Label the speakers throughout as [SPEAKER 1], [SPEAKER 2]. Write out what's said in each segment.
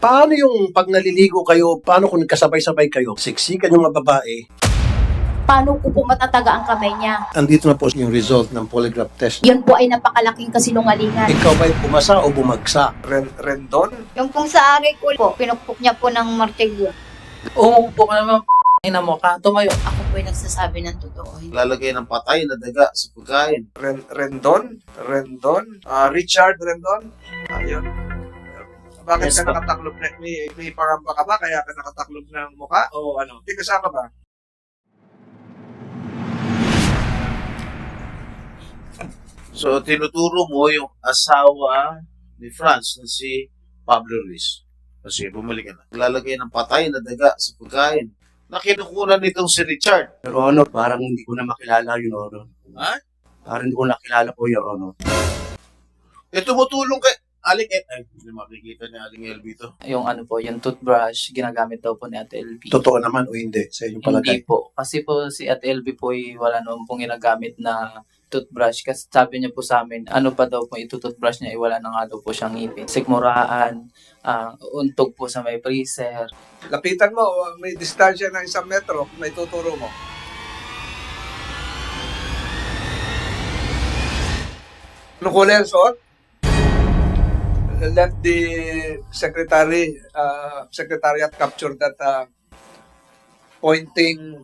[SPEAKER 1] Paano yung pag naliligo kayo, paano kung nagkasabay-sabay kayo, siksikan yung mga babae,
[SPEAKER 2] Paano ko po matataga ang kamay niya?
[SPEAKER 1] andito na po yung result ng polygraph test.
[SPEAKER 2] Yun po ay napakalaking kasinungalingan.
[SPEAKER 1] Ikaw ba'y pumasa o bumagsak?
[SPEAKER 3] Rendon?
[SPEAKER 4] Yung pong sa ari ko po, pinukpok niya po ng martilyo.
[SPEAKER 5] Umupo ka naman, ina mo ka, tumayo.
[SPEAKER 2] Ako po ay nagsasabi ng totoo.
[SPEAKER 6] Lalagay ng patay na daga sa pagkain.
[SPEAKER 3] Rendon? Richard Rendon? Ayun. Bakit
[SPEAKER 5] Yes,
[SPEAKER 3] ka
[SPEAKER 5] po.
[SPEAKER 3] nakataklob na, may pangamba ka ba kaya ka nakataklob ng mukha o ano? Hindi kasama ba?
[SPEAKER 6] So, tinuturo mo yung asawa ni Franz na si Pablo Ruiz. Kasi bumalik ka na. Lalagay ng patay na daga sa pagkain. Na kinukunan nitong si Richard.
[SPEAKER 7] Your Honor, parang hindi ko na makilala, Your Honor.
[SPEAKER 6] Ha?
[SPEAKER 7] Parang hindi ko nakilala po, Your Honor.
[SPEAKER 6] Tumutulong kay Aling El. Ay, hindi makikita ni Aling El dito.
[SPEAKER 5] Yung ano po, yung toothbrush, ginagamit daw po ni Ate LB.
[SPEAKER 1] Totoo naman o hindi sa inyong palagay?
[SPEAKER 5] Hindi po. Kasi po si Ate LB po ay wala naman pong ginagamit na toothbrush. Kasi sabi niya po sa amin, ano pa daw po ito-toothbrush niya, wala na nga daw po siyang ngipin. Sikmuraan, untog po sa may freezer.
[SPEAKER 3] Lapitan mo, may distansya ng 1 metro, may tuturo mo. Anong kulay ang suot? Let the secretariat capture that pointing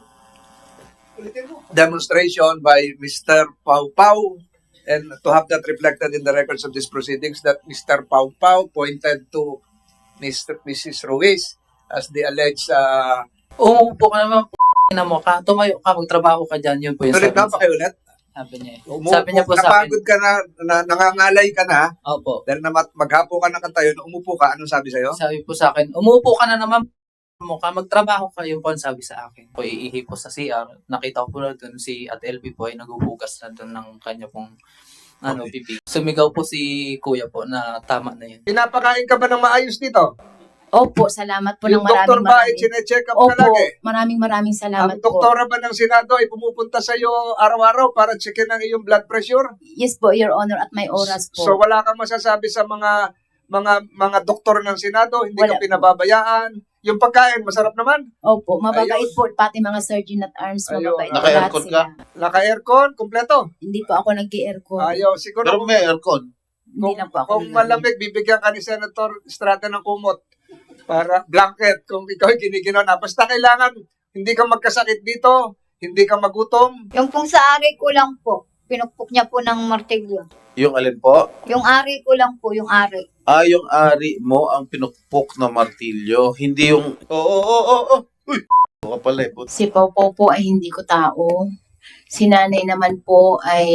[SPEAKER 3] demonstration by Mr. Pau Pau, and to have that reflected in the records of these proceedings that Mr. Pau Pau pointed to Mrs. Ruiz as the alleged
[SPEAKER 5] Umupo ka naman, ina mo ka, tumayo ka, magtrabaho ka dyan. Yun po yung
[SPEAKER 3] ulit na pakiulit.
[SPEAKER 5] sabi niya. Sabi niya po sa akin,
[SPEAKER 3] napagod ka na, nangangalay ka na,
[SPEAKER 5] opo.
[SPEAKER 3] dahil na maghapo ka ng kantayo, umupo ka, anong sabi sa'yo?
[SPEAKER 5] Sabi po sa akin, umupo ka na naman mo ka, magtrabaho ka. Yun po ang sabi sa akin. Po iihi po sa CR. Nakita ko po na doon si Ate LB po ay naghuhugas na doon ng kanya pong pipi. Sumigaw po si Kuya po na tama na yun.
[SPEAKER 3] Pinapakain ka ba ng maayos dito?
[SPEAKER 2] Opo, salamat po ng
[SPEAKER 3] Yung doktor ba ay
[SPEAKER 2] maraming.
[SPEAKER 3] sinecheck up ka
[SPEAKER 2] Opo,
[SPEAKER 3] lagi?
[SPEAKER 2] maraming salamat
[SPEAKER 3] Ang
[SPEAKER 2] po.
[SPEAKER 3] doktora ba ng Senado ay pumupunta sa iyo araw-araw para checkin ang iyong blood pressure?
[SPEAKER 2] Yes po, Your Honor, at may oras po.
[SPEAKER 3] So wala kang masasabi sa mga doktor ng Senado, hindi
[SPEAKER 2] Wala
[SPEAKER 3] ka
[SPEAKER 2] po.
[SPEAKER 3] pinababayaan. Yung pagkain, masarap naman.
[SPEAKER 2] Opo, mababait
[SPEAKER 3] Ayun.
[SPEAKER 2] po, pati mga surgeon at arms,
[SPEAKER 3] Ayun.
[SPEAKER 2] mababait po lahat
[SPEAKER 6] Naka-aircon
[SPEAKER 2] sila.
[SPEAKER 3] Naka-aircon, kumpleto.
[SPEAKER 2] Hindi po ako nag-aircon.
[SPEAKER 3] Ayaw, siguro
[SPEAKER 6] Pero may aircon.
[SPEAKER 2] Hindi na po ako
[SPEAKER 3] kung malamig, bibigyan ka ni Senator Estrada ng kumot para blanket kung ikaw ay kinikinon na. Basta kailangan hindi ka magkasakit dito, hindi ka magutom.
[SPEAKER 4] Yung pong sa ari ko lang po, pinukpok niya po ng martilyo.
[SPEAKER 6] Yung alin po?
[SPEAKER 4] Yung ari ko lang po, yung ari.
[SPEAKER 6] Yung ari mo ang pinukpok na martilyo. Hindi yung... Oo. Uy! Ka pala eh.
[SPEAKER 2] Si Popo po ay hindi ko tao. Si Nanay naman po ay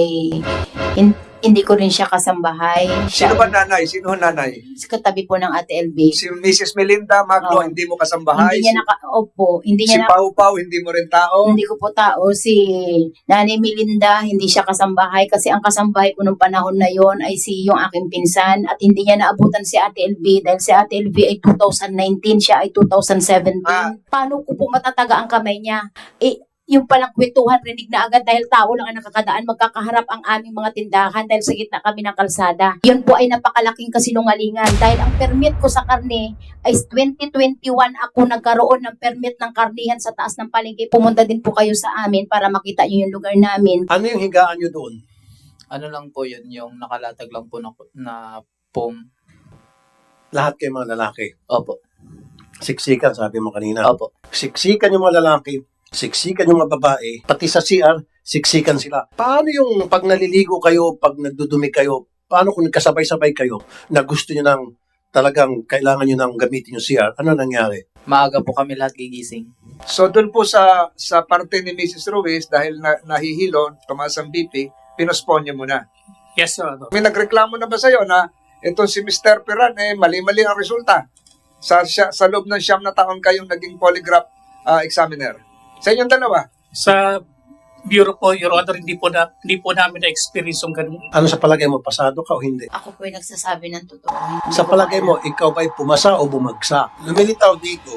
[SPEAKER 2] hindi ko rin siya kasambahay.
[SPEAKER 3] Sino ba nanay? Sino ang nanay?
[SPEAKER 2] Katabi po ng Ate LB.
[SPEAKER 3] Si Mrs. Melinda Magno,
[SPEAKER 2] Oo.
[SPEAKER 3] hindi mo kasambahay.
[SPEAKER 2] Hindi niya hindi
[SPEAKER 3] Si
[SPEAKER 2] niya
[SPEAKER 3] Pau Pau, hindi mo rin tao.
[SPEAKER 2] hindi ko po tao. Si Nanay Melinda, hindi siya kasambahay kasi ang kasambahay ko nung panahon na yon ay si yung aking pinsan at hindi niya naabutan si Ate LB dahil si Ate LB ay 2019, siya ay 2017. Paano ko po matataga ang kamay niya? Yung palang kwentuhan, rinig na agad dahil tao lang ang nakakadaan, magkakaharap ang aming mga tindahan dahil sa gitna kami ng kalsada. Yun po ay napakalaking kasinungalingan dahil ang permit ko sa karne ay 2021 ako nagkaroon ng permit ng karnihan sa taas ng palengke. Pumunta din po kayo sa amin para makita nyo yung lugar namin.
[SPEAKER 1] Ano yung higaan nyo doon?
[SPEAKER 5] Ano lang po yun, yung nakalatag lang po na foam.
[SPEAKER 1] Lahat kayo mga lalaki.
[SPEAKER 5] Opo.
[SPEAKER 1] Siksikan, sabi mo kanina.
[SPEAKER 5] Opo.
[SPEAKER 1] Siksikan yung mga lalaki, siksikan yung mga babae, pati sa CR, siksikan sila. Paano yung pag naliligo kayo, pag nagdudumi kayo, paano kung nagkasabay-sabay kayo na gusto nyo nang talagang kailangan nyo nang gamitin yung CR? Ano nangyari?
[SPEAKER 5] Maaga po kami lahat gigising.
[SPEAKER 3] So doon po sa parte ni Mrs. Ruiz, dahil nahihilo, tumaas ang BP, pinospon niya muna.
[SPEAKER 8] Yes, Your Honor.
[SPEAKER 3] May nagreklamo na ba sa'yo na itong si Mr. Peran, mali-mali ang resulta? Sa loob ng 9 na taon kayong naging polygraph examiner. Sa inyong dalawa.
[SPEAKER 8] Sa Bureau po, Your Honor, hindi po namin na-experience yung ganun.
[SPEAKER 1] Ano sa palagay mo, pasado ka o hindi?
[SPEAKER 2] Ako po ay nagsasabi ng totoo.
[SPEAKER 1] Sa palagay mo, ikaw ba'y pumasa o bumagsak? Lumilitaw dito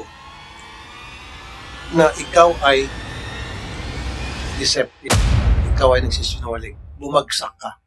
[SPEAKER 1] na ikaw ay deceptive. Ikaw ay nagsisinungaling. Bumagsak ka.